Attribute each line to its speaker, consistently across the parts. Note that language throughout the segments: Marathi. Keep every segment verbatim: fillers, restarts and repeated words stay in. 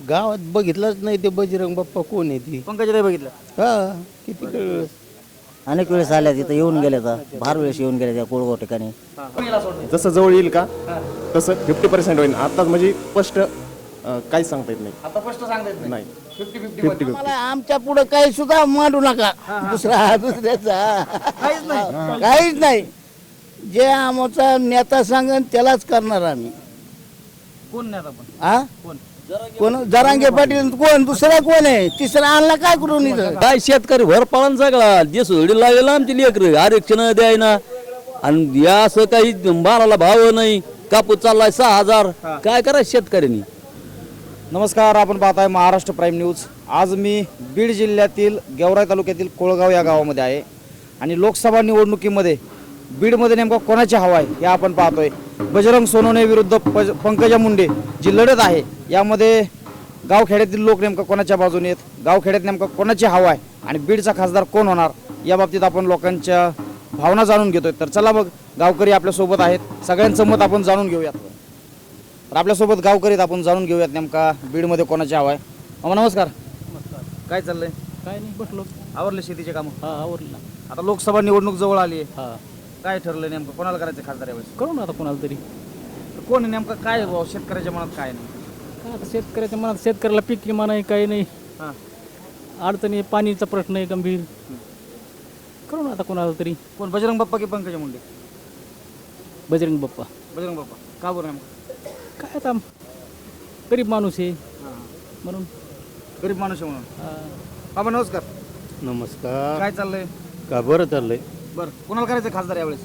Speaker 1: गावात बघितलंच नाही ते बजरंग बाप्पा कोण आहे ती.
Speaker 2: पंकजाताई बघितलं
Speaker 1: हा किती कळलं.
Speaker 3: अनेक वेळेस आल्या तिथं येऊन गेल्या तर फार वेळेस येऊन गेल्या त्या कोळगाव ठिकाणी.
Speaker 4: जसं जवळ येईल का तसं फिफ्टी पर्सेंट होईल. आताच म्हणजे स्पष्ट अं, काहीच सांगता येत नाही.
Speaker 2: आता स्पष्ट सांगता येत
Speaker 4: नाही
Speaker 2: फिफ्टी फिफ्टी
Speaker 4: फिफ्टी
Speaker 1: मला आमच्या पुढे काही सुद्धा मांडू नका दुसरा दुसऱ्याचा
Speaker 2: काहीच नाही.
Speaker 1: काहीच नाही. जे आमचा नेता सांगेन त्यालाच करणार आम्ही.
Speaker 2: कोण नाही आपण
Speaker 1: हा
Speaker 2: कोण
Speaker 1: कोण जरांगे पाटील कोण दुसरा कोण आहे तिसरा आणला काय करून इथं.
Speaker 5: काय शेतकरी भर पाळण सगळा जे सोडी लागेल आमची लेकर आरक्षण द्यायना आणि या असं काही मालाला भाव नाही. कापूस चाललाय सहा हजार काय करायचं शेतकऱ्यांनी.
Speaker 2: नमस्कार, आपण पाहताय महाराष्ट्र प्राईम न्यूज. आज मी बीड जिल्ह्यातील गेवराई तालुक्यातील कोळगाव या गावामध्ये आहे आणि लोकसभा निवडणुकीमध्ये बीडमध्ये नेमकं कोणाची हवा आहे हे आपण पाहतोय. बजरंग सोनवणे विरुद्ध पज पंकजा मुंडे जी लढत आहे यामध्ये गावखेड्यातील लोक नेमकं कोणाच्या बाजूने आहेत, गावखेड्यात नेमकं कोणाची हवा आहे आणि बीडचा खासदार कोण होणार या बाबतीत आपण लोकांच्या भावना जाणून घेतोय. तर चला बघ, गावकरी आपल्यासोबत आहेत, सगळ्यांचं मत आपण जाणून घेऊयात. तर आपल्यासोबत गावकरीत आपण जाणून घेऊयात नेमका बीडमध्ये कोणाची हवा आहे. मामा नमस्कार. काय चाललंय?
Speaker 6: काय नाही, बसलो.
Speaker 2: आवरले शेतीचे कामं?
Speaker 6: हा आवरलं.
Speaker 2: आता लोकसभा निवडणूक जवळ आली आहे,
Speaker 6: हा
Speaker 2: काय ठरलं नेमकं कोणाला करायचं खासदार यावेळेस?
Speaker 6: करू ना आता कोणाला तरी.
Speaker 2: तर कोण आहे नेमकं, काय आहे भाऊ शेतकऱ्याच्या मनात काय नाही?
Speaker 6: काय आता शेतकऱ्याच्या मनात शेतकऱ्याला पीक विमा नाही, काही नाही,
Speaker 2: हां
Speaker 6: अडचणी, पाणीचा प्रश्न आहे गंभीर. करू ना आता कोणाला तरी.
Speaker 2: कोण, बजरंग बाप्पा की पंकजा मुंडे?
Speaker 6: बजरंग बाप्पा.
Speaker 2: बजरंग बाप्पा का बरं नेमकं?
Speaker 6: काय आता गरीब माणूस आहे
Speaker 2: हां
Speaker 6: म्हणून.
Speaker 2: गरीब माणूस आहे म्हणून.
Speaker 6: हा.
Speaker 2: बाबा नमस्कार.
Speaker 1: नमस्कार.
Speaker 2: काय चाललंय?
Speaker 1: का बरं चाललंय
Speaker 2: बरं, कोणाला करायचं खासदार यावेळेस?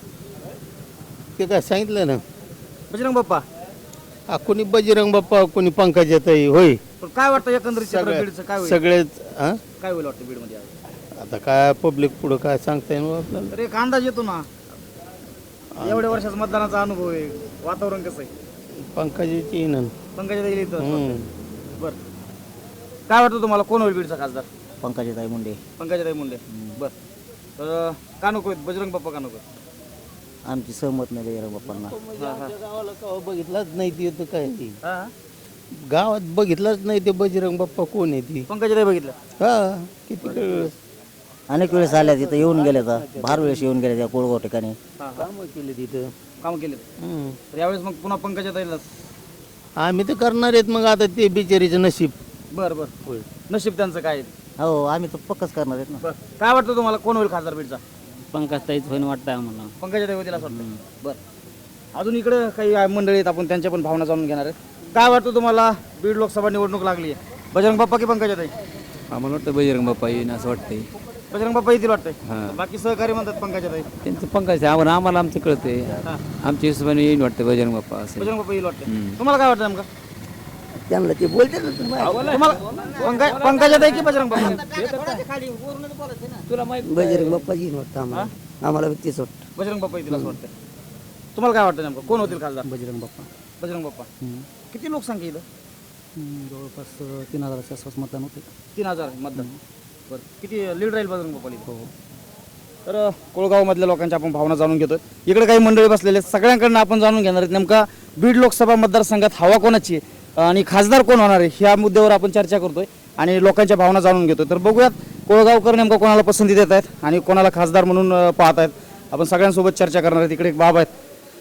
Speaker 1: ते काय सांगितलं ना.
Speaker 2: बजरंग बाप्पा.
Speaker 1: हा, कोणी बजरंग बाप्पा कोणी पंकजाताई होय.
Speaker 2: पण काय वाटतं एकंदरीत चित्र
Speaker 1: सगळ्या-
Speaker 2: बीडचं काय होईल?
Speaker 1: सगळेच हा?
Speaker 2: काय होईल वाटतं बीडमध्ये यावेळेस?
Speaker 1: आता काय पब्लिक पुढं काय सांगता येईल आपल्याला.
Speaker 2: तर एक अंदाज येतो ना, एवढ्या वर्षाचा मतदानाचा अनुभव आहे, वातावरण कसं आहे?
Speaker 1: पंकजाची येईन.
Speaker 2: पंकजाताई इथं
Speaker 1: हम्म.
Speaker 2: बरं, काय वाटतं तुम्हाला कोण होईल बीडचा खासदार?
Speaker 3: पंकजाताई मुंडे.
Speaker 2: पंकजाताई मुंडे. बरं, तर का नको आहेत बजरंग बाप्पा का नको?
Speaker 3: आमची सहमत नाही बजरंग बाप्पांना.
Speaker 1: गावाला गाव बघितलंच नाही ते तर काय ती.
Speaker 2: हां
Speaker 1: गावात बघितलंच नाही ते बजरंग बाप्पा कोण आहे ती.
Speaker 2: पंकजाताई बघितलं.
Speaker 1: हा किती कळलं.
Speaker 3: अनेक वेळेस आल्या तिथं येऊन गेल्या तर फार वेळेस येऊन गेल्या त्या कोळगाव ठिकाणी.
Speaker 1: कामं केले तिथं.
Speaker 2: काम केले.
Speaker 1: हम्म.
Speaker 2: तर यावेळेस मग पुन्हा पंकजाताईलाच.
Speaker 1: आम्ही तर करणार आहेत मग आता ते बिचारीचं नशीब.
Speaker 2: बरं बरं, नशीब त्यांचं काय आहे?
Speaker 3: हो आम्ही तर पक्कच करणार आहेत ना.
Speaker 2: बरं, काय वाटतं तुम्हाला कोण होईल खासदार बीडचा?
Speaker 6: पंकजताईच होईन वाटतंय आम्हाला.
Speaker 2: पंकजाताई होतील असं वाटतं. बरं, अजून इकडं काही मंडळी आहेत, आपण त्यांच्या पण भावना जाणून घेणार आहेत. काय वाटतं तुम्हाला, बीड लोकसभा निवडणूक लागली आहे, बजरंग बाप्पा की पंकजाताई?
Speaker 5: आम्हाला वाटतं बजरंग बाप्पा येईन असं वाटतंय.
Speaker 2: बजरंग बाप्पा येतील वाटतंय. बाकी सहकारी म्हणतात पंकजाताई.
Speaker 5: त्यांचं पंकज आम्हाला आम्हाला आमचं कळतंय. आमच्या हिशोबाने येईन वाटतं बजरंग बाप्पा असं.
Speaker 2: बजरंग बाप्पा येईल वाटतं. तुम्हाला काय वाटतं नेमकं?
Speaker 3: त्यांना ते बोलते ना
Speaker 2: तुम्हाला पंकज पंकजाताई की बजरंग बाप्पा?
Speaker 3: बजरंग बाप्पा येईन वाटतं आम्हाला. आम्हाला व्यक्तीच वाटतं
Speaker 2: बजरंग बाप्पा येतील असं वाटतं. तुम्हाला काय वाटतं नेमकं कोण होतील खासदार?
Speaker 6: बजरंग बाप्पा.
Speaker 2: बजरंग बाप्पा. किती लोकसंख्या इथं?
Speaker 6: जवळपास तीन हजाराच्या आसपास मतदान होते.
Speaker 2: तीन हजार मतदान. बरं, किती लीड राहील बजरंग बाप्पा? तर कोळगावमधल्या लोकांच्या आपण भावना जाणून घेतोय. इकडे काही मंडळी बसलेले आहेत, सगळ्यांकडनं आपण जाणून घेणार आहेत नेमका बीड लोकसभा मतदारसंघात हवा कोणाची आहे आणि खासदार कोण होणार आहे ह्या मुद्द्यावर आपण चर्चा करतोय आणि लोकांच्या भावना जाणून घेतोय. तर बघूयात कोळगावकर नेमका कोणाला पसंती देत आहेत आणि कोणाला खासदार म्हणून अं, पाहत आहेत. आपण सगळ्यांसोबत चर्चा करणार आहेत. इकडे एक बाबा आहेत.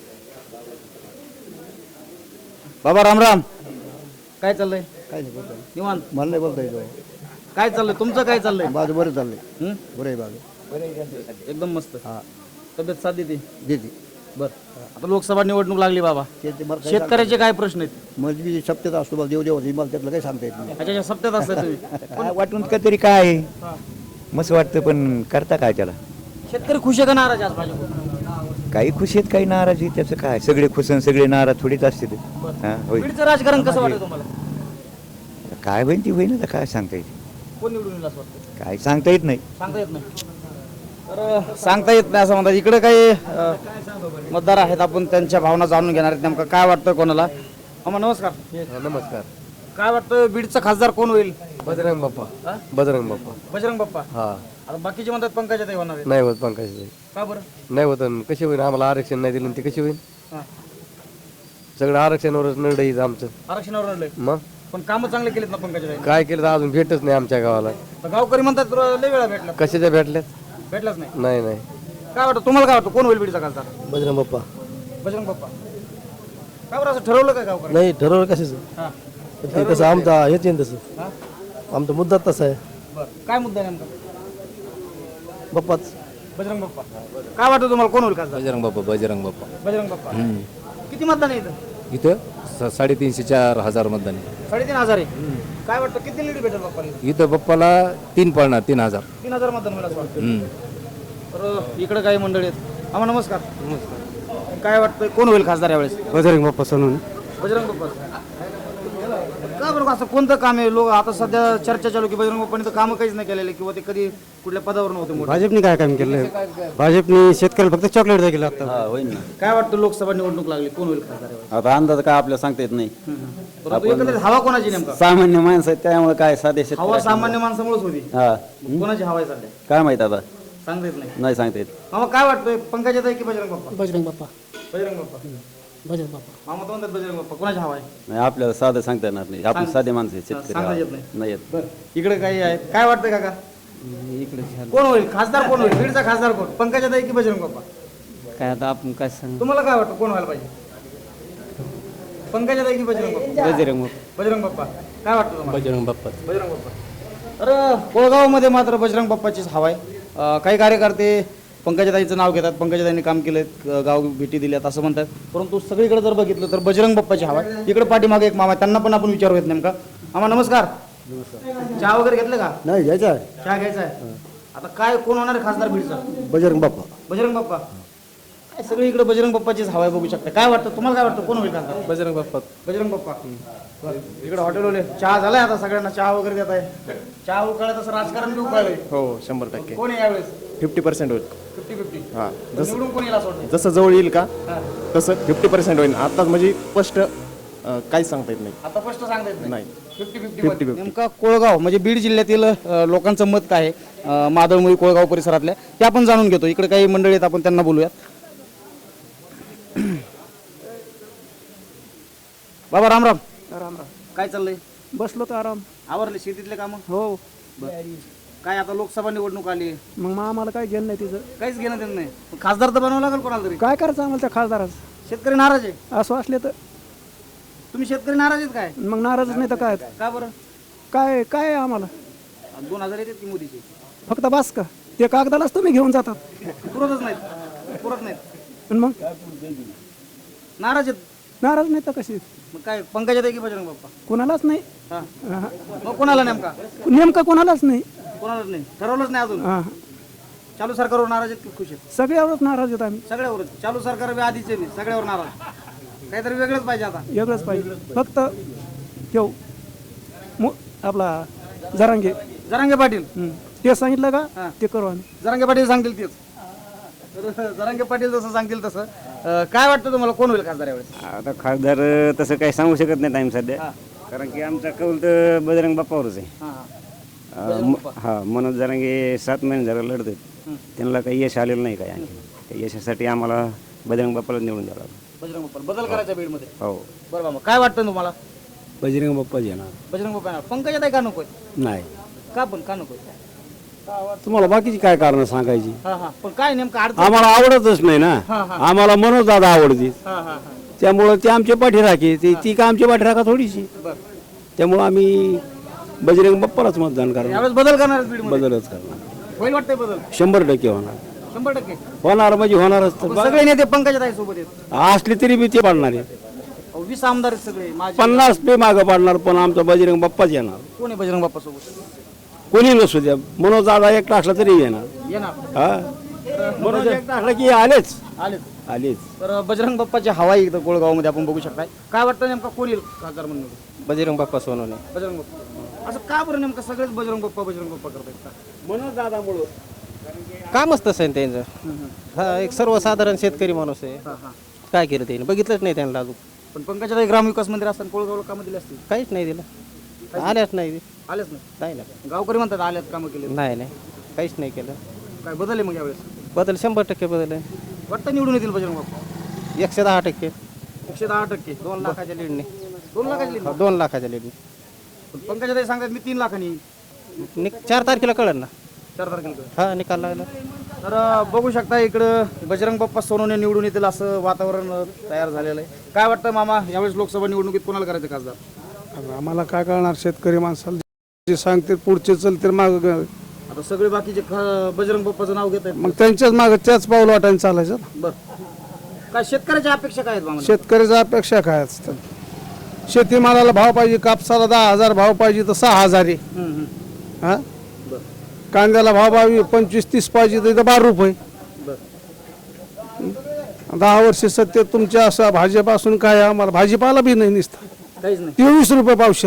Speaker 2: बाबा राम राम. काय चाललंय?
Speaker 1: काय नाही बोलता
Speaker 2: निवांत.
Speaker 1: मला नाही बोलता येतो.
Speaker 2: काय चाललंय तुमचं? काय चाललंय?
Speaker 1: बाजू बरं चाललंय.
Speaker 2: हं?
Speaker 1: बरं आहे बाजू.
Speaker 2: एकदम मस्त.
Speaker 1: हा
Speaker 2: तब्येत साथ देते.
Speaker 1: देते.
Speaker 2: बरं, आता लोकसभा निवडणूक लागली बाबा,
Speaker 1: ते ते मला काय
Speaker 2: शेतकऱ्याचे काय प्रश्न आहेत?
Speaker 1: म्हणजे सप्त्यात असतो मला देव देव मला त्यातलं काही सांगता येत नाही.
Speaker 2: त्याच्या सप्त्यात असतात तुम्ही.
Speaker 7: काय वाटून का तरी काय आहे? मस्त वाटतं पण करता काय त्याला.
Speaker 2: शेतकरी खुश आहे का नाराज आज भाजप?
Speaker 7: काही खुश आहेत काही नाराज आहेत त्याचं काय. सगळे खुश आणि सगळे नाराज थोडीच असते ते. हा होय.
Speaker 2: बीडचं राजकारण कसं वाटतं तुम्हाला?
Speaker 7: काय होईल ती होईल आता काय सांगता येईल.
Speaker 2: कोण निवडून येईल असं वाटतं?
Speaker 7: काय सांगता येत नाही.
Speaker 2: सांगता येत नाही. तर सांगता येत नाही असं म्हणतात. इकडे काही अं, मतदार आहेत, आपण त्यांच्या भावना जाणून घेणार आहेत. नेमकं काय वाटतं कोणाला? अम्मा नमस्कार.
Speaker 1: नमस्कार.
Speaker 2: काय वाटतं बीडचा खासदार कोण होईल?
Speaker 1: बजरंग बाप्पा.
Speaker 2: हा?
Speaker 1: बजरंग बाप्पा.
Speaker 2: बजरंग बाप्पा.
Speaker 1: हा
Speaker 2: आता बाकीचे म्हणतात पंकजाताई होणार आहेत.
Speaker 1: नाही होत पंकजाताई.
Speaker 2: का बरं?
Speaker 1: नाही होत. कशी होईल? आम्हाला आरक्षण नाही दिलं ते कशी होईल?
Speaker 2: हा.
Speaker 1: सगळं आरक्षणावरच निर्णय आमचं.
Speaker 2: आरक्षणावर लढलंय.
Speaker 1: मग
Speaker 2: पण कामं चांगले केलेत ना पंकजा
Speaker 8: काय केलं तर अजून भेटच नाही आमच्या गावाला
Speaker 2: गावकरी म्हणतात तुला लय वेळा भेटला
Speaker 8: कशाच्या भेटल्यात
Speaker 2: भेटलाच नाही
Speaker 8: नाही नाही
Speaker 2: काय वाटतं तुम्हाला काय वाटतं कोण होईल बीडचा खासदार
Speaker 8: बजरंग बाप्पा
Speaker 2: बजरंग बाप्पा का बरं असं ठरवलं काय गावकरी
Speaker 8: नाही ठरवलं कशाचं
Speaker 2: हा
Speaker 8: ते कसं आमचा हेच आहे तसं
Speaker 2: हा
Speaker 8: आमचा मुद्दा तसा आहे
Speaker 2: बरं काय मुद्दा आहे नेमका
Speaker 8: बाप्पाच
Speaker 2: बजरंग बाप्पा काय वाटतं तुम्हाला कोण होईल खासदार
Speaker 9: बजरंग बाप्पा बजरंग बाप्पा
Speaker 2: बजरंग बाप्पा किती मतदान आहे इथं
Speaker 9: इथं स- साडेतीनशे चार हजार मतदान आहे.
Speaker 2: साडेतीन हजार आहे काय वाटतं किती लीड भेटेल बाप्पाला
Speaker 9: इथं बाप्पाला तीन पडणार तीन हजार
Speaker 2: तीन हजार मतदान होईल असं वाटतं
Speaker 9: हम्म.
Speaker 2: तर इकडे काही मंडळी आहेत आम्हा नमस्कार नमस्कार काय वाटतं कोण होईल खासदार यावेळेस
Speaker 8: बजरंग बाप्पा सोनून
Speaker 2: बजरंग बाप्पा का बरं असं कोणतं काम आहे लोक आता सध्या चर्चा चालू की बजरंग बाप्पाने तर कामं काहीच नाही केलेले किंवा ते कधी कुठल्या पदावर नव्हते मोठे
Speaker 8: भाजपने काय काम केलं भाजपने शेतकऱ्याला फक्त चॉकलेट केलं आता
Speaker 5: होईल ना
Speaker 2: काय वाटतं लोकसभा निवडणूक लागली कोण होईल खासदार यावेळेस
Speaker 5: आता अंदाज काय आपल्याला सांगता येत नाही
Speaker 2: परंतु एकंदरीत हवा कोणाची नेमका
Speaker 5: सामान्य माणसं आहेत त्यामुळे काय साधे शेत
Speaker 2: हवा सामान्य माणसामुळेच होती
Speaker 5: हा
Speaker 2: कोणाची हवा आहे सध्या
Speaker 5: काय माहित आता
Speaker 2: सांगता येत नाही
Speaker 5: नाही सांगता येत
Speaker 2: मामा काय वाटतंय पंकजाताई की बजरंग बाप्पा
Speaker 6: बजरंग बाप्पा
Speaker 2: बजरंग बाप्पा
Speaker 6: बजरंग बाप्पा
Speaker 2: मामा तर म्हणतात बजरंग बाप्पा कोणाची हवा आहे
Speaker 5: नाही आपल्याला साधं सांगता येणार नाही आपण
Speaker 2: सांग-
Speaker 5: साधे माणसं आहेत,
Speaker 2: सांगता येत
Speaker 5: शेतकरी
Speaker 2: नाही.
Speaker 5: नाही येत
Speaker 2: बरं इकडे काही आहे काय वाटतंय काका कोण होईल खासदार कोण होईल बीडचा खासदार कोण पंकजाताई की बजरंग बाप्पा
Speaker 3: काय आता आपण काय सांग
Speaker 2: तुम्हाला काय वाटतं कोण व्हायला पाहिजे पंकजाताई की बजरंग बाप्पा
Speaker 3: बजरंग
Speaker 2: बजरंग बाप्पा काय वाटतं तुम्हाला
Speaker 8: बजरंग बाप्पा
Speaker 2: बजरंग बाप्पा तर कोळगावमध्ये मात्र बजरंग बाप्पाचीच हवा आहे अं, काही कार्यकर्ते पंकजाताईचं नाव घेतात पंकजाताईंनी काम केलं गाव भेटी दिल्यात असं म्हणतात परंतु सगळीकडे जर बघितलं तर बजरंग बाप्पाची हवा आहे इकडे पाठीमागे एक मामा आहे त्यांना पण आपण विचारूयात नेमका आम्हा नमस्कार चहा वगैरे घेतलं का
Speaker 8: नाही घ्यायचा
Speaker 2: चहा घ्यायचा आहे आता काय कोण होणार आहे खासदार बीडचा
Speaker 8: बजरंग बाप्पा
Speaker 2: बजरंग बाप्पा काय सगळी इकडे बजरंग बाप्पाचीच हवा आहे बघू शकता काय वाटतं तुम्हाला काय वाटतं कोण होईल खासदार
Speaker 8: बजरंग बाप्पा
Speaker 2: बजरंग बाप्पा इकडे हॉटेलवाले चहा झालाय आता सगळ्यांना चहा वगैरे देत आहे चहा उकळत असं राजकारण बी उकळलंय
Speaker 4: हो शंभर टक्के
Speaker 2: कोण आहे यावेळेस
Speaker 4: फिफ्टी पर्सेंट होईल
Speaker 2: फिफ्टी फिफ्टी
Speaker 4: हा
Speaker 2: निवडून कोण येईल असं वाटतं
Speaker 4: जसं जवळ येईल का तसं फिफ्टी पर्सेंट होईल आताच म्हणजे स्पष्ट अं, काहीच सांगता येत नाही
Speaker 2: आता स्पष्ट सांगता येत
Speaker 4: नाही
Speaker 2: फिफ्टी
Speaker 4: फिफ्टी
Speaker 2: फिफ्टी
Speaker 4: फिफ्टी
Speaker 2: नेमका कोळगाव म्हणजे बीड जिल्ह्यातील अ, लोकांचं मत काय आहे अ, मादळमुळी कोळगाव परिसरातल्या ते आपण जाणून घेतो इकडे काही मंडळी आहेत आपण त्यांना बोलूयात बाबा राम राम
Speaker 6: राम राम
Speaker 2: काय चाललंय
Speaker 6: बसलो तर आराम
Speaker 2: आवरले शेतीतले कामं
Speaker 6: हो
Speaker 2: काय आता लोकसभा निवडणूक आली
Speaker 6: मग मग आम्हाला काय घेणं नाही तिचं
Speaker 2: काहीच घेणं देणं नाही पण खासदार तर बनावं लागेल कोणाला तरी
Speaker 6: काय करायचं आम्हाला त्या खासदाराचं
Speaker 2: शेतकरी नाराज आहे
Speaker 6: असं असले तर
Speaker 2: तुम्ही शेतकरी नाराज आहेत काय
Speaker 6: मग नाराजच नाही तर काय
Speaker 2: का बरं
Speaker 6: काय काय आहे आम्हाला
Speaker 2: दोन हजार येतात की मोदीचे
Speaker 6: फक्त बास का ते कागदालाच तुम्ही घेऊन जातात
Speaker 2: पुरतच नाहीत पुरत नाहीत
Speaker 6: पण मग
Speaker 2: नाराज आहेत
Speaker 6: नाराज नाही तर कशी
Speaker 2: मग काय पंकजाताई की बजरंग बाप्पा
Speaker 6: कोणालाच नाही
Speaker 2: हा
Speaker 6: हा.
Speaker 2: मग कोणाला नेमका
Speaker 6: नेमकं कोणालाच नाही
Speaker 2: कोणालाच नाही ठरवलंच नाही अजून
Speaker 6: हा
Speaker 2: चालू सरकारवर नाराज आहेत की खुश आहेत
Speaker 6: सगळ्यावरच नाराज आहेत आम्ही
Speaker 2: सगळ्यावरच चालू सरकार बी आधीचे नाही सगळ्यावर नाराज काहीतरी वेगळंच पाहिजे आता
Speaker 6: वेगळंच पाहिजे फक्त ठेव मो- आपला जरांगे
Speaker 2: जरांगे पाटील
Speaker 6: हं. ते सांगितलं
Speaker 2: हा.
Speaker 6: का ते करू आम्ही
Speaker 2: जरांगे पाटील सांगतील तेच तर जरांगे पाटील जसं सांगतील तसं अं, काय वाटतं तुम्हाला कोण होईल खासदार यावेळेस
Speaker 3: आता खासदार तसं काही सांगू शकत नाही टाइम सध्या कारण की आमचा कौल तर बजरंग बाप्पावरच आहे
Speaker 2: हां हां
Speaker 3: अं, म- हा मनोज जरांगे सात महिने झालं लढत आहेत त्यांना काही यश आलेलं नाही काय आणखी त्या यशासाठी आम्हाला बजरंग बाप्पाला निवडून द्यावं लागलं
Speaker 2: बजरंग बाप्पा बदल करायचा बीडमध्ये
Speaker 3: हो
Speaker 2: बरं बाबा काय वाटतं तुम्हाला
Speaker 8: बजरंग बाप्पा येणार
Speaker 2: बजरंग बाप्पा पंकजाताई का नकोय
Speaker 8: नाही
Speaker 2: का पण का नकोय
Speaker 8: तुम्हाला बाकीची काय कारण सांगायची
Speaker 2: हां हां पण काय नेमकं अडचण
Speaker 8: आम्हाला आवडतच नाही ना आम्हाला मनोज दादा आवडते
Speaker 2: हां हां हां
Speaker 8: त्यामुळं ते आमचे पाठीराखे ती ती का आमची पाठीराखा थोडीशी
Speaker 2: बरं
Speaker 8: त्यामुळं आम्ही बजरंग बाप्पालाच मतदान करणार
Speaker 2: यावेळेस बदल करणार आहेत बीडमध्ये
Speaker 8: बदलच करणार
Speaker 2: होईल वाटतंय बदल
Speaker 8: शंभर टक्के होणार
Speaker 2: शंभर टक्के
Speaker 8: होणार म्हणजे होणारच तर.
Speaker 2: पण सगळे नेते पंकजाताई सोबत आहेत
Speaker 8: असली तरी मी ते पाडणार आहे
Speaker 2: अहो, वीस आमदार आहेत सगळे माझे
Speaker 8: पन्नास पे मागं पाडणार पण आमचा बजरंग बाप्पाच येणार
Speaker 2: कोण आहे बजरंग बाप्पा सोबत
Speaker 8: कोणी नसू द्या मनोज दादा एकटा असला तरी येणार
Speaker 2: येणार
Speaker 8: हा मनोज एकटा असला की आलेच
Speaker 2: आलेच
Speaker 8: आलेच
Speaker 2: तर बजरंग बाप्पाची हवा आहे इथं कोळगावमध्ये आपण बघू शकताय काय वाटतं नेमका कोण येईल खासदार म्हणून
Speaker 8: बजरंग बाप्पा सोनवणे
Speaker 2: बजरंग बाप्पा असं का बरं नेमकं सगळेच बजरंग बाप्पा बजरंग बाप्पा करतायत का
Speaker 8: मनोज दादामुळं
Speaker 10: कामच तसं आहे त्यांचं हा एक सर्वसाधारण शेतकरी माणूस आहे
Speaker 2: हां हां
Speaker 10: काय केलं त्याने बघितलंच नाही त्यांना अजून
Speaker 2: पण पंकजाताई ग्रामविकास मंदिर असताना कोळगावला कामं दिली असतील
Speaker 10: काहीच नाही दिलं आल्याच नाही
Speaker 2: आलेच नाही
Speaker 10: नाही ना
Speaker 2: गावकरी म्हणतात आल्यात कामं केले
Speaker 10: नाही नाही काहीच नाही केलं
Speaker 2: काय बदल आहे मग यावेळेस
Speaker 10: बदल शंभर टक्के बदल आहे
Speaker 2: वाटतं निवडून येतील बजरंग बाप्पा
Speaker 10: एकशे दहा टक्के
Speaker 2: एकशे दहा टक्के
Speaker 10: दोन लाखाच्या लीडने
Speaker 2: दोन लाखाची lead.
Speaker 10: दोन लाखाच्या लीडने
Speaker 2: पंकजाताई सांगतात मी तीन लाखांनी
Speaker 10: निक चार तारखेला कळेल ना.
Speaker 2: चार तारखेला.
Speaker 10: हा निकाल लागला.
Speaker 2: तर अ, बघू शकता इकडं बजरंग बाप्पा सोनवणे निवडून येतील असं वातावरण अ, तयार झालेलं आहे. काय वाटतं मामा, यावेळेस लोकसभा निवडणुकीत कोणाला करायचं खासदार?
Speaker 8: आम्हाला काय कळणार, शेतकरी माणसाला जे सांगते पुढचे चलते माग,
Speaker 2: आता सगळे बाकीचे ख- बजरंग बाप्पाचं नाव घेत आहेत.
Speaker 8: मग त्यांच्याच माग त्याच पाऊल वाटायला चालायचं ना.
Speaker 2: बरं, काय शेतकऱ्याच्या अपेक्षा काय आहेत मामा?
Speaker 8: शेतकऱ्याच्या अपेक्षा काय असतात? शेतीमालाला भाव पाहिजे, कापसाला दहा हजार भाव पाहिजे तर सहा हजार आहे.
Speaker 2: हम्म, हम्म.
Speaker 8: हा कांद्याला भाव पाहिजे पंचवीस तीस पाहिजे तर इथं बारा रुपये.
Speaker 2: बरं,
Speaker 8: दहा वर्ष सत्य तुमच्या असं भाजीपासून काय आहे? आम्हाला भाजीपाला बी नाही निसता,
Speaker 2: काहीच नाही.
Speaker 8: तेवीस रुपये पावशेर.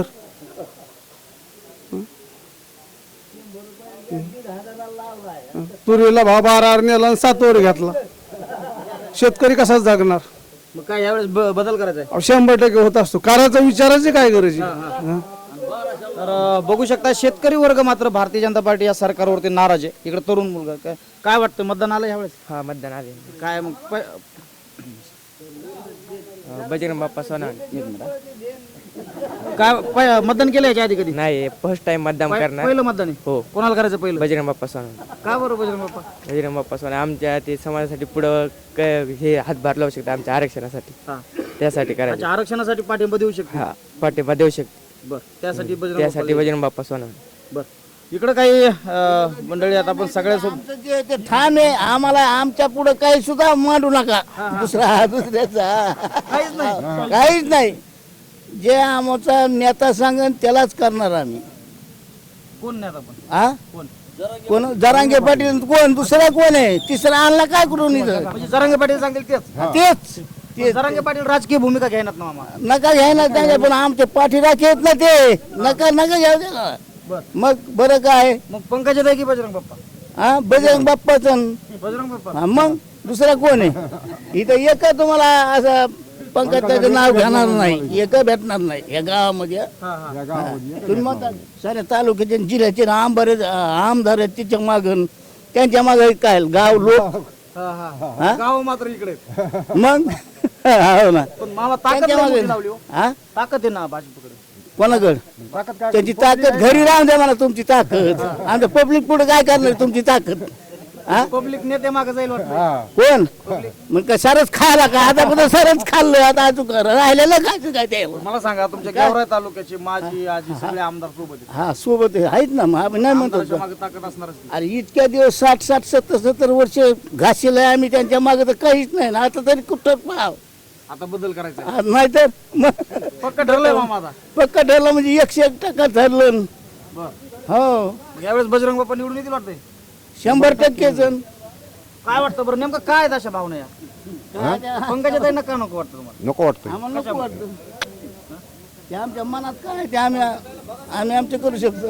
Speaker 8: तुरीला भाव बारा नेला आणि सात वर घेतला, शेतकरी कसाच जागणार?
Speaker 2: मग काय यावेळेस ब- बदल करायचा आहे?
Speaker 8: अहो, शंभर टक्के होत असतो. करायचा विचारायची काय गरज आहे? हा?
Speaker 2: तर अ, बघू शकता शेतकरी वर्ग मात्र भारतीय जनता पार्टी या सरकारवरती नाराज आहे. इकडे तरुण मुलगा काय काय वाटतं, मतदान आलं यावेळेस?
Speaker 10: हा मतदान आले.
Speaker 2: काय मग प-
Speaker 10: बजरंग बाप्पा सोना
Speaker 2: एक मिनिट हा. काय प- मतदान केलं याच्या आधी कधी?
Speaker 10: नाही, फर्स्ट टाइम मतदान
Speaker 2: पहि- पहिलं मतदान आहे.
Speaker 10: हो.
Speaker 2: कोणाला करायचं पहिलं?
Speaker 10: बजरंग बाप्पा सोना.
Speaker 2: का बरं बजरंग बाप्पा?
Speaker 10: बजरंग बाप्पा सोना आमच्या ते समाजासाठी पुढं क- हे हातभार लावू शकतात आमच्या आरक्षणासाठी,
Speaker 2: हा.
Speaker 10: त्यासाठी करायचं.
Speaker 2: अच्छा, आरक्षणासाठी पाठिंबा देऊ शकतो.
Speaker 10: हा पाठिंबा देऊ शकतो,
Speaker 2: बर, त्यासाठी बजरंग
Speaker 10: त्यासाठी
Speaker 2: बाप्पाला-
Speaker 10: बजरंग बाप्पा सोना.
Speaker 2: बर, इकडं काही अ, मंडळी आता आपण सगळ्यासोबत
Speaker 1: आमचं जे ते ठाम आहे, आम्हाला आमच्या पुढे काही सुद्धा मांडू नका. दुसरा दुसऱ्याचा
Speaker 2: काहीच नाही.
Speaker 1: काहीच नाही. जे आमचा नेता सांगेन त्यालाच करणार आम्ही.
Speaker 2: कोण नाही आता पण
Speaker 1: हा
Speaker 2: कोण?
Speaker 1: कोण? जरांगे पाटील कोण? दुसरा कोण आहे? तिसरा आणला काय करून इथं?
Speaker 2: म्हणजे जरांगे पाटील सांगतील तेच.
Speaker 1: तेच तेच
Speaker 2: जरांगे पाटील राजकीय भूमिका घेणार ना मामा.
Speaker 1: नका घ्यायला त्यांच्या, पण आमचे पाठीराखे आहेत ना ते. नका नका घ्याव दे ना.
Speaker 2: बर,
Speaker 1: मग बरं काय?
Speaker 2: मग पंकजाताई की बजरंग बाप्पा?
Speaker 1: हा बजरंग बाप्पाचं.
Speaker 2: बजरंग बाप्पा.
Speaker 1: हा, मग दुसरा कोण आहे इथं? एक तुम्हाला असं पंकजाचं नाव घेणार नाही, एक भेटणार नाही या गावामध्ये.
Speaker 2: हा, हा.
Speaker 1: हा. तुम्ही म्हणता साऱ्या तालुक्याचे आणि जिल्ह्याचे आमदार आमदार आहेत तिच्या मागून, त्यांच्या मागे काय गाव लोक.
Speaker 2: हा, हा.
Speaker 1: हा?
Speaker 2: गाव मात्र इकडे आहेत.
Speaker 1: मग हो ना,
Speaker 2: पण मामा ताकद
Speaker 1: त्यांच्या
Speaker 2: लय
Speaker 1: मागे.
Speaker 2: मोठी लावली हो.
Speaker 1: हा
Speaker 2: ताकद आहे ना भाजपकडे.
Speaker 1: कोणाकडे?
Speaker 2: ताकद काय?
Speaker 1: त्यांची ताकद घरी राहून द्या मला तुमची ताकद. आमच्या पब्लिक पुढे काय करणार तुमची ताकद? हा
Speaker 2: पब्लिक नेते मागे जाईल वाटतं.
Speaker 1: कोण? मग काय सारच खायला का? आता पण सारच खाल्लं, आता अजून राहिलेलं काय काय ते?
Speaker 2: मला सांगा, तुमच्या गेवराई तालुक्याचे माजी आजी सगळे आमदार सोबत आहेत.
Speaker 1: हा सोबत आहे, आहेत ना. मग आम्ही नाही म्हणतो
Speaker 2: आमदाराच्या
Speaker 1: का?
Speaker 2: मागे ताकद असणारच की.
Speaker 1: अरे इतक्या दिवस साठ साठ सत्तर सत्तर वर्ष घासील आम्ही त्यांच्या मागे, तर काहीच नाही ना. आता तरी कुठं पाव
Speaker 2: आता बदल करायचा आहे.
Speaker 1: नाही तर मग
Speaker 2: पक्क ठरलंय मामा आता.
Speaker 1: पक्का ठरलं म्हणजे एकशे एक टक्का ठरलं.
Speaker 2: बर,
Speaker 1: हो
Speaker 2: यावेळेस बजरंग बाप्पा निवडून येतील वाटतंय.
Speaker 1: शंभर टक्के जण.
Speaker 2: काय वाटतं बरं, नेमकं काय आहेत अशा भावना या पंकजाताई नका नको वाटतं तुम्हाला?
Speaker 4: नको वाटतं.
Speaker 1: आम्हाला नको वाटतं. ते आमच्या मनात काय आहे ते आम्ही आम्ही आमचे करू शकतो.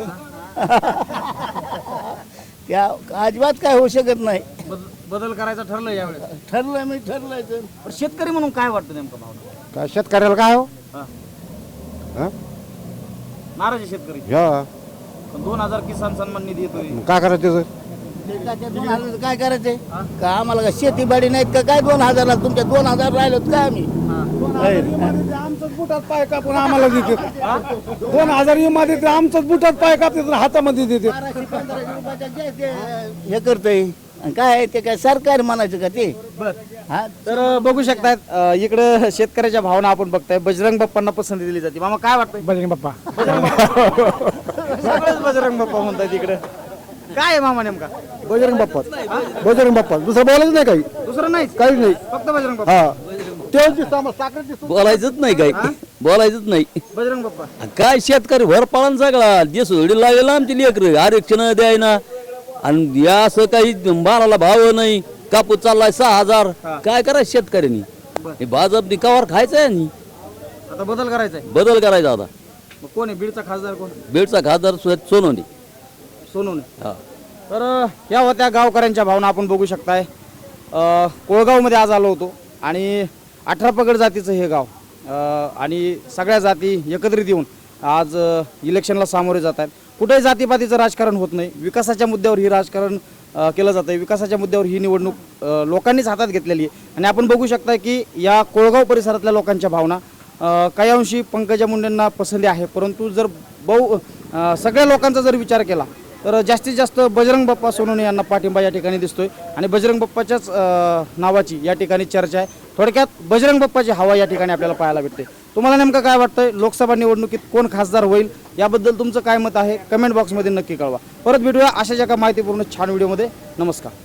Speaker 1: त्या अजिबात काय होऊ शकत नाही.
Speaker 2: बद- बदल करायचा ठरलंय यावेळेस.
Speaker 1: ठरलंय मी ठरलंय तर.
Speaker 2: पण शेतकरी म्हणून काय वाटतं नेमकं भावना?
Speaker 4: काय शेतकऱ्याला काय हो?
Speaker 2: हा.
Speaker 4: हा?
Speaker 2: नाराज आहे शेतकरी.
Speaker 4: या
Speaker 2: पण दोन हजार किसान सन्मान निधी येतोय.
Speaker 4: काय करायचं त्याचं?
Speaker 1: ते काय ते दोन हजार काय करायचंय का? आम्हाला का शेतीबाडी नाहीत का काय? दोन हजारला तुमच्या दोन हजार राहिलोत का आम्ही?
Speaker 8: आमचंच बुटात पाय कापून आम्हाला देते. दोन हजार विमा देते, आमचंच बुटात पाय कापते हातामध्ये देते.
Speaker 1: बाराशे पंधराशे रुपयाचं जे ते हे करतय काय आहे ते? काय सरकार म्हणायचं का ते? हा
Speaker 2: तर अ, बघू शकतात अ, इकडं शेतकऱ्याच्या भावना आपण बघताय. बजरंग बाप्पांना पसंती दिली जाते. मामा काय वाटतंय?
Speaker 8: बजरंग बाप्पा.
Speaker 2: सगळेच बजरंग बाप्पा म्हणतात इकडं. काय आहे मामा नेमका?
Speaker 8: बजरंग बाप्पा. बजरंग बाप्पा. दुसरं बोलायचं नाही काही.
Speaker 2: दुसरं नाही,
Speaker 8: काहीच नाही.
Speaker 2: फक्त बजरंग बाप्पा.
Speaker 8: हा तेच दिसतं आम्हाला, साखर दिसतं.
Speaker 5: बोलायचंच नाही काय, बोलायचंच नाही.
Speaker 2: बजरंग बाप्पा.
Speaker 5: काय शेतकरी भरपाळण सगळा देश उडी लागेल आमची लेकर, आरक्षण द्यायना. आणि या असं काही मालाला भाव नाही, कापूस चाललाय सहा हजार. काय करायचं शेतकऱ्यांनी? हे भाजपनी कवर खायचंय आणि
Speaker 2: आता बदल करायचा आहे.
Speaker 5: बदल करायचा आता.
Speaker 2: मग कोण आहे बीडचा खासदार? कोण?
Speaker 5: बीडचा खासदार सुरेश सोनवणे.
Speaker 2: सोनवणे.
Speaker 5: हा.
Speaker 2: तर अ, या होत्या गावकऱ्यांच्या भावना आपण बघू शकताय. अ, कोळगावमध्ये आज आलो होतो आणि अठरा पगड जातीचं हे गाव अ, आणि सगळ्या जाती एकत्रित येऊन आज अ, इलेक्शनला सामोरे जात आहेत. कुठेही जातीपातीचं राजकारण होत नाही. विकासाच्या मुद्द्यावर ही राजकारण अ, केलं जातं आहे. विकासाच्या मुद्द्यावर ही निवडणूक अ, लोकांनीच हातात घेतलेली आहे. आणि आपण बघू शकता की या कोळगाव परिसरातल्या लोकांच्या भावना अ, काही अंशी पंकजा मुंडेंना पसंती आहे, परंतु जर बहु अ, सगळ्या लोकांचा जर विचार केला तर जास्तीत जास्त बजरंग बाप्पा सोनवणे यांना पाठिंबा या ठिकाणी दिसतोय आणि बजरंग बाप्पाच्याच अ, नावाची या ठिकाणी चर्चा आहे. थोडक्यात बजरंग बाप्पाची हवा या ठिकाणी आपल्याला पाहायला भेटते. तुम्हाला नेमकं काय वाटतंय, लोकसभा निवडणुकीत कोण खासदार होईल याबद्दल तुमचं काय मत आहे कमेंट बॉक्समध्ये नक्की कळवा. परत भेटूया अशाच एका माहितीपूर्ण छान व्हिडिओमध्ये. नमस्कार.